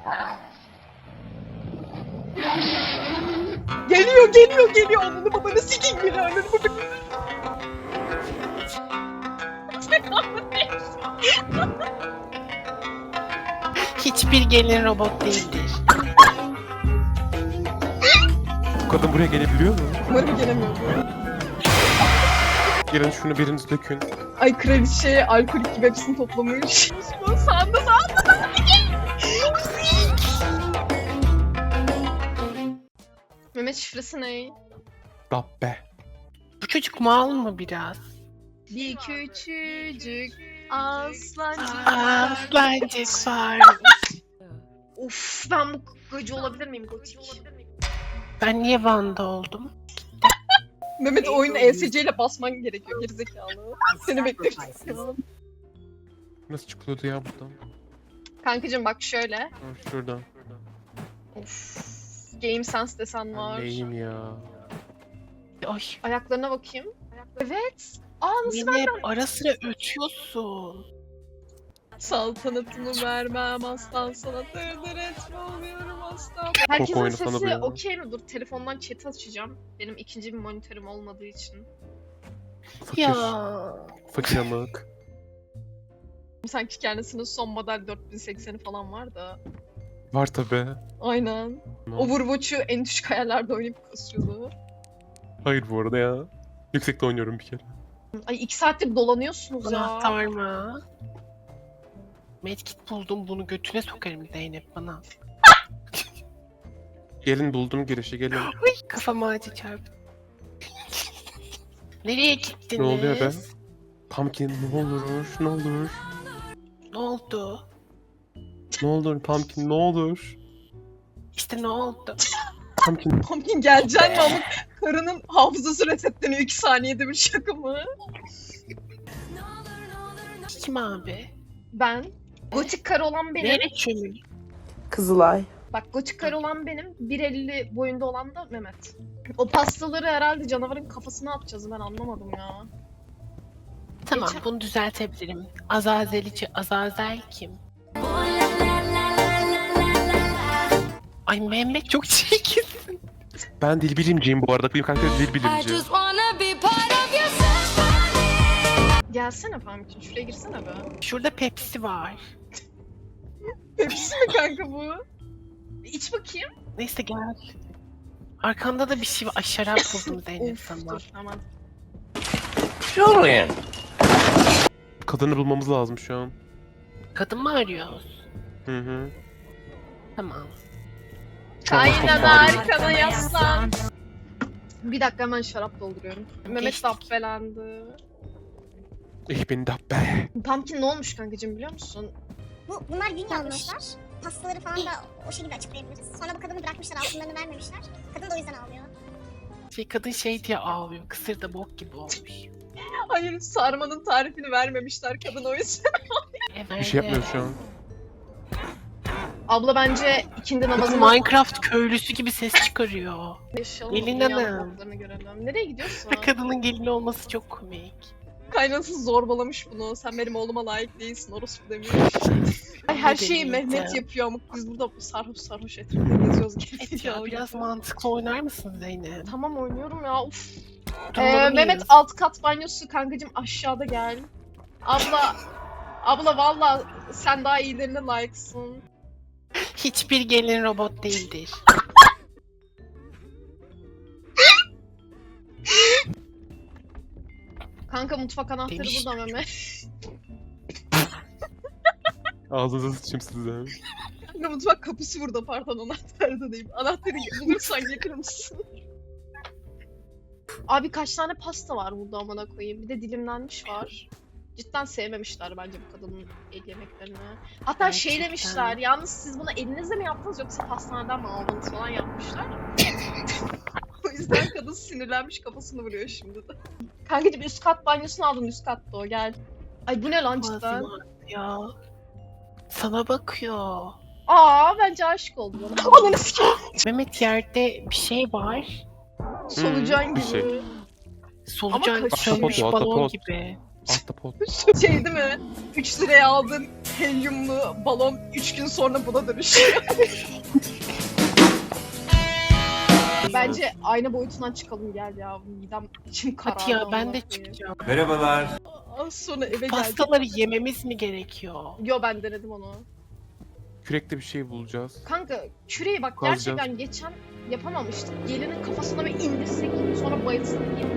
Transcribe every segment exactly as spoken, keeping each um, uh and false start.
Geliyor geliyor geliyor. Ananı babanı sikeyim geliyor. Ananı babanı. Hiçbir gelin robot değildir. Bu kadın buraya gelebiliyor mu? Umarım gelemiyor. Gelin şunu biriniz dökün. Ay kraliçe alkolik gibi hepsini toplamış. Bu sağında sağında. Mehmet şifresi ne? Dabbe. Bu çocuk mal mı biraz? Bir küçücük aslancık. Aslancık var. Of, ben bu gacı olabilir miyim gotik? Ben niye Van'da oldum? Mehmet oyunu E S C ile basman gerekiyor gerizekalı. Seni bekliyorum. Nasıl çıkılıyordu ya buradan? Kankacım bak şöyle. Ha, şuradan. Of. Game Sense desen var. Neyim ya? Ay. Ayaklarına bakayım. Evet. Aa nasıl Yine ben hep ara sıra ötüyorsun. saltanatımı vermem aslan sana dırdır etme oluyorum aslan. Çok Herkesin oyunu sana bu sesi ya. okey mi? Dur telefondan chat açacağım. Benim ikinci bir monitörüm olmadığı için. Fakir. Ya. Fakir amık. Sanki kendisinin son model dört bin sekseni falan var da. Var tabi. Aynen. Overwatch'u en düşük ayarlarda oynayıp kasıyordu. Hayır bu arada ya. Yüksekte oynuyorum bir kere. Ay iki saattir dolanıyorsunuz ya. Anahtar mı? Medkit buldum, bunu götüne sokarım Zeynep bana. Gelin buldum girişi gelin. Uy, kafama acı çarptı. Nereye gittiniz? Ne oluyor be? Pumpkin ne olur ne olur. Ne oldu? Ne olur Pumpkin ne olur. İşte ne oldu? Pumpkin. Pumpkin geleceksin mi ama karının hafızası resetleniyor iki saniyede bir şaka mı? Kim abi? Ben. Gotik karı olan benim. Nereye çömül? Kızılay. Bak gotik karı olan benim. bir elli boyunda olan da Mehmet. O pastaları herhalde canavarın kafasına atacağız ben anlamadım ya. Tamam, Geçen- bunu düzeltebilirim. Azazelici Azazel kim? Ay Mehmet çok çirkinsin. Ben dil bilimciyim bu arada. Benim karakter dil I bilimci. just wanna be part of your symphony. Gelsene Pumpkin şuraya girsene be. Şurada Pepsi var. Pepsi mi kanka bu? İç bakayım. Neyse gel. Arkanda da bir şey var. Ay şarap buldum Zeynep Of sana. dur hemen. Kadını bulmamız lazım şu an. Kadın mı arıyoruz? Hı hı. Tamam. Aynen Arkana arkana yaslan. Bir dakika hemen şarap dolduruyorum. Mehmet Geçtik. dabbelendi. Ich bin dabbe. Pumpkin ne olmuş kankacığım biliyor musun? Bu, bunlar gün yazmışlar. Pastaları falan da o şekilde açıklayabiliriz. Sonra bu kadını bırakmışlar, altınlarını vermemişler. Kadın da o yüzden ağlıyor. Şey, kadın şey diye ağlıyor. Kısır da bok gibi olmuş. Hayır sarmanın tarifini vermemişler kadın o yüzden. Evet. Bir şey yapmıyor şu an. Abla bence ikindi Kız namazını Minecraft köylüsü gibi ses çıkarıyor. yaşayalım. Gelin dünyanın hanım. boklarını görelim. Nereye gidiyorsun? Ve kadının gelini olması çok komik. Kaynanası zorbalamış bunu. Sen benim oğluma layık değilsin orospu demiş. Ay her Ne şeyi deneyeceğim? Mehmet yapıyor ama biz burada sarhoş sarhoş etrafında geziyoruz. Evet ya biraz mantıklı oynar mısın Zeynep? Tamam oynuyorum ya uf. Durmalı Ee, mıyız? Mehmet alt kat banyosu kankacım aşağıda gel. Abla abla valla sen daha iyilerine layıksın. Hiçbir gelin robot değildir. Kanka mutfak anahtarı Demiş. burada Mehmet. Ağzınıza sıçayım size. Kanka mutfak kapısı burada pardon anahtarı da değil. Anahtarı bulursan getirir misin? Abi kaç tane pasta var burada amına koyayım. Bir de dilimlenmiş var. Cidden sevmemişler bence bu kadının el yemeklerini. Hatta şey Gerçekten. demişler, yalnız siz bunu elinizle mi yaptınız yoksa pastaneden mi aldınız falan yapmışlar. O yüzden kadın sinirlenmiş kafasını vuruyor şimdi de. Kankacığım üst kat banyosunu aldım üst katta o gel. Ay bu ne lan cidden? Ağzım ağrıyor ya. Sana bakıyor. Aa bence aşık oldu bana. Ananı sikeyim. Mehmet yerde bir şey var. Solucan bir gibi. şey. Solucan kaçıyor. sönmüş Ahtapot o, balon ahtapot. gibi. Ahtapot. Şey değil mi? üç liraya aldığın helyumlu balon üç gün sonra buna dönüşüyor. Bence ayna boyutundan çıkalım gel ya. Midem içim karardı. Hadi ya ben amına de koyayım. çıkacağım. Merhabalar. Az sonra eve geldim. Pastaları yememiz mi gerekiyor? Yo ben denedim onu. Kürekte bir şey bulacağız. Kanka küreği bak Kazacağız. gerçekten geçen yapamamıştık. Gelinin kafasına bir indirsek sonra bayılsın diye.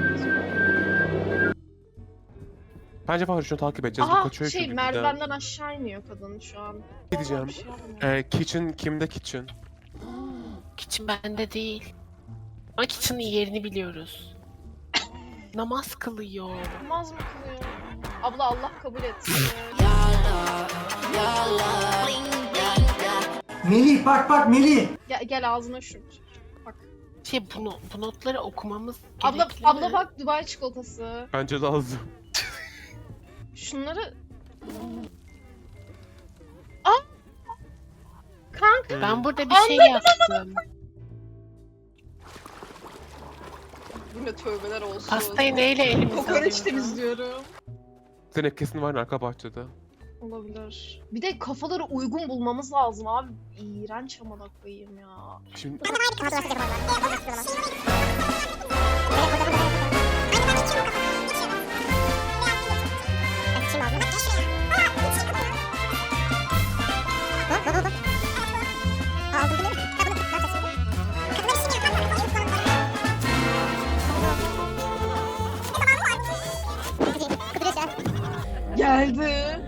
Bence var şunu takip edeceğiz. Bu Aha kaçıyor şey çünkü merdivenden aşağı iniyor kadın şu an. Ne diyeceğim? Bir şey yapmıyor. Ee, kitchen kimde kitchen? Kitchen bende değil. Ama kitchen'ın yerini biliyoruz. Namaz kılıyor. Olmaz mı kılıyor? Abla Allah kabul etsin. Melih bak bak Melih. gel, gel ağzına şu. Bak. Şey bunu, bu notları okumamız Abla, gerekli abla mi? bak Dubai çikolatası. Bence lazım. Şunları... Aa! Kanka Ben burada bir şey yaptım. yine tövbeler olsun. Pastayı neyle elimize Kokoreç alıyoruz? temizliyorum. Senin kesin var arka bahçede. Olabilir. Bir de kafaları uygun bulmamız lazım abi. İğrenç amına koyayım ya. Şimdi Geldi.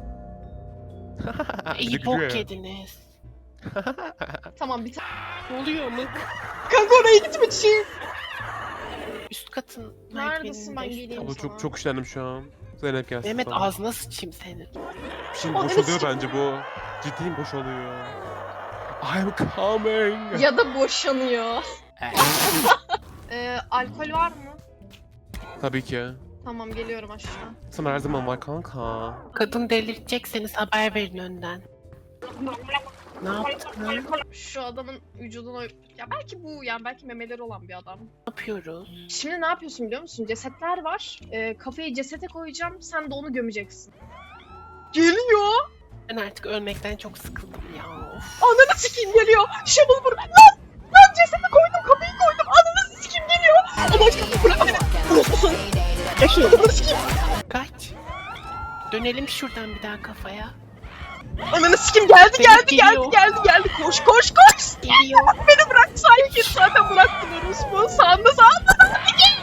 İyi gülüyor bok ya. yediniz. Tamam bir tane. Ne oluyor mu? Kanka oraya gitme çiğ. Üst katın Neredesin, ben merdiveninde üst geleyim. Abla sana. çok çok üşendim şu an. Zeynep gelsin. Mehmet sana. ağzına sıçayım senin. Şimdi Aa, boşalıyor evet. bence bu. Ciddiyim boşalıyor. I'm coming. Ya da boşanıyor. Evet. Ee, alkol var mı? Tabii ki. Tamam geliyorum aşağı. Sana her zaman var kanka. Kadın delirtecekseniz haber verin önden. Ne yaptın? Ne Şu adamın vücuduna... Ya belki bu yani belki memeleri olan bir adam. yapıyoruz? Şimdi ne yapıyorsun biliyor musun? Cesetler var. Ee, kafayı cesete koyacağım. Sen de onu gömeceksin. Geliyor. Ben artık ölmekten çok sıkıldım ya. Of. Ananı sikeyim geliyor. Shovel vur. Lan! Lan cesete koydum. Kafayı koydum. Ananı sikeyim geliyor. Ama aşkım bırak beni. Unutmuşsun. Ananı sikeyim. Kaç. Dönelim şuradan bir daha kafaya. Ananı sikeyim geldi Beni geldi geldi geliyor. geldi geldi. Koş koş koş. Geliyor. Beni bırak sakin. Zaten bıraktın orospu. Sağında sağında.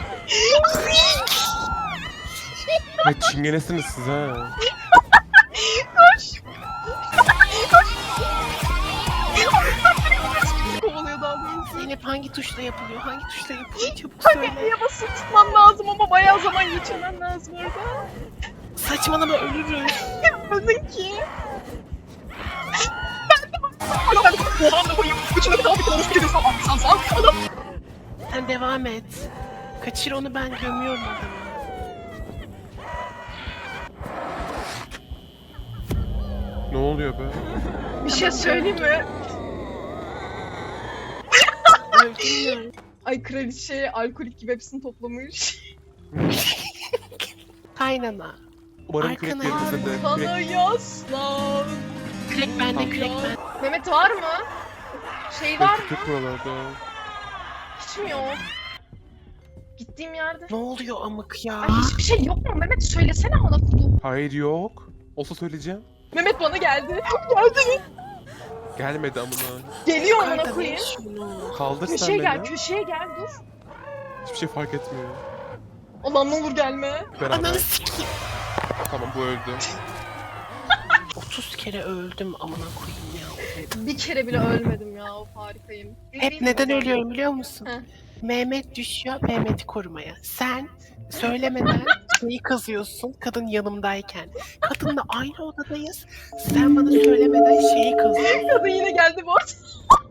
Ay çingenesiniz siz ha. Kovalıyor daha doğrusu. Zeynep hangi tuşla yapılıyor? Hangi tuşla yapılıyor? Çabuk Hani söyle. niye basılı tutman lazım ama bayağı zaman geçirmen lazım orada. Saçmalama ölürüz. Yapmadın ki. Ben de bak. Ana ben de oha ne koyayım. Üçüne kadar bir kadar sikeriz. Tamam sen sağ. Adam. Sen devam et. Kaçır onu, ben gömüyorum adamı. Ne oluyor be? Bir şey söyleyeyim mi? Öldün mü? Ay kraliçe alkolik gibi hepsini toplamış. Kaynana. Umarım Arkana kürek verirse de. Bana Kürek... yaslan. Kürek bende, kürek bende. Mehmet var mı? Şey var mı? Kürek buralarda. Hiç mi yok? Gittiğim yerde. Ne oluyor amık ya? Ay hiçbir şey yok mu? Mehmet söylesene bana kudu. Hayır yok. Olsa söyleyeceğim. Mehmet bana geldi. Geldi. Gelmedi amına. Geliyor amına Yukarıda koyayım. ver şunu. Kaldır sen Köşeye beni. gel, köşeye gel dur. Hiçbir şey fark etmiyor. Allah'ım ne olur gelme. Beraber. Ananı sikeyim. Tamam bu öldü. otuz kere öldüm amına koyayım ya. Bir kere bile ölmedim ya, of harikayım. Hep neden ölüyorum biliyor musun? Heh. Mehmet düşüyor Mehmet'i korumaya. Sen söylemeden şeyi kazıyorsun kadın yanımdayken. Kadınla aynı odadayız. Sen bana söylemeden şeyi kazıyorsun. Kadın yine geldi bu arada.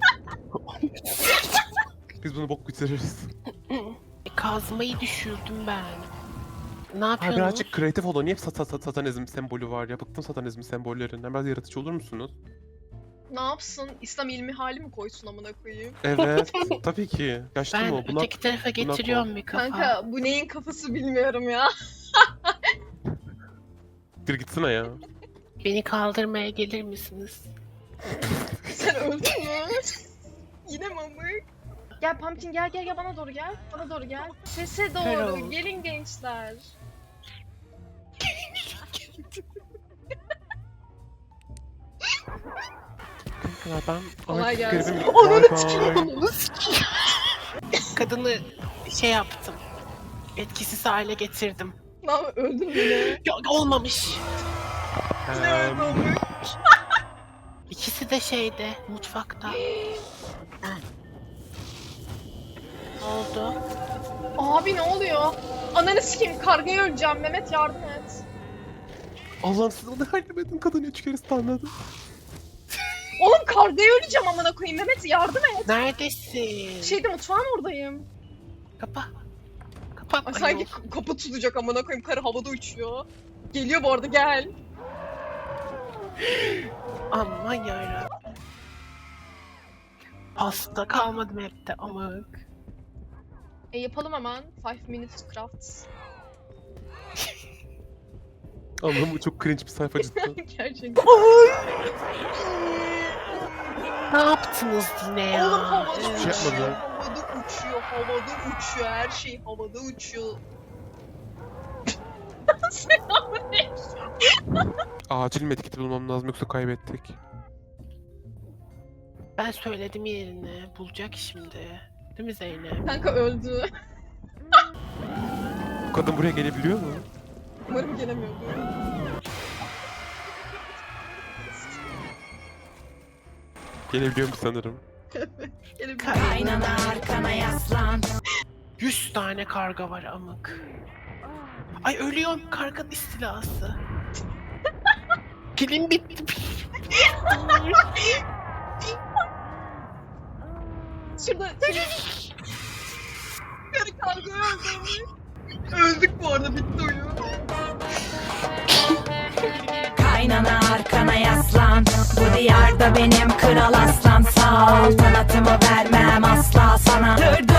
Biz bunu bok bitiririz. Kazmayı düşürdüm ben. Ne Ha yapıyorsunuz? birazcık kreatif olun. Niye hep sat sat satanizm sembolü var ya? Bıktım satanizm sembollerinden. Biraz yaratıcı olur musunuz? Ne yapsın? İslam ilmi hali mi koysun amına koyayım? Evet. Tabii ki. Yaşlı Ben mı o? Buna... öteki tarafa getiriyorum bir kafa. Kanka bu neyin kafası bilmiyorum ya. siktir gitsene ya. Beni kaldırmaya gelir misiniz? Sen öldün mü? Yine mamık. Gel Pumpkin gel gel gel bana doğru gel. Bana doğru gel. Sese Hello. doğru. Gelin gençler. Ya ben Kolay artık gelsin. garibim. Ananı Bye sikeyim, bye. ananı sikeyim. Kadını şey yaptım. Etkisiz hale getirdim. Lan öldün mü ne? Ya, olmamış. Yine öldü Em, mamık. İkisi de şeyde, mutfakta. Ha. Ne oldu? Abi ne oluyor? Ananı sikeyim kargaya öleceğim. Mehmet yardım et. Allah'ım siz onu yardım edin. Kadın üç kere stunladı. Oğlum kargaya öleceğim amına koyayım. Mehmet yardım et. Neredesin? Şeyde mutfağın oradayım. Kapa. Kapat. Ay, Ay, sanki yok. kapı tutacak amına koyayım. Karı havada uçuyor. Geliyor bu arada gel. Aman yarabbim. Pasta kalmadı map'te amık. E yapalım hemen. Five minutes craft. Allah'ım bu çok cringe bir sayfa cidden. Gerçekten. Ne yaptınız yine ya? Oğlum havada Hiçbir şey uçuyor. yapmadı. Havada uçuyor. Havada uçuyor. Her şey havada uçuyor. Selamünaleyküm. Acil medkit bulmam lazım yoksa kaybettik. Ben söyledim yerini. Bulacak şimdi. Değil mi Zeynep? Kanka öldü. Bu kadın buraya gelebiliyor mu? Umarım gelemiyordu. Gelebiliyorum sanırım. Gelebiliyor. Kaynana arkana yaslan. Yüz tane karga var amık. Ay ölüyorum karga istilası. Pilim bitti. Şurada Karı karga öldü. Öldük bu arada bitti oyun. Kaynana arkana yaslan. Bu diyarda benim kral aslan. Sağ ol kanatımı vermem asla sana. Dur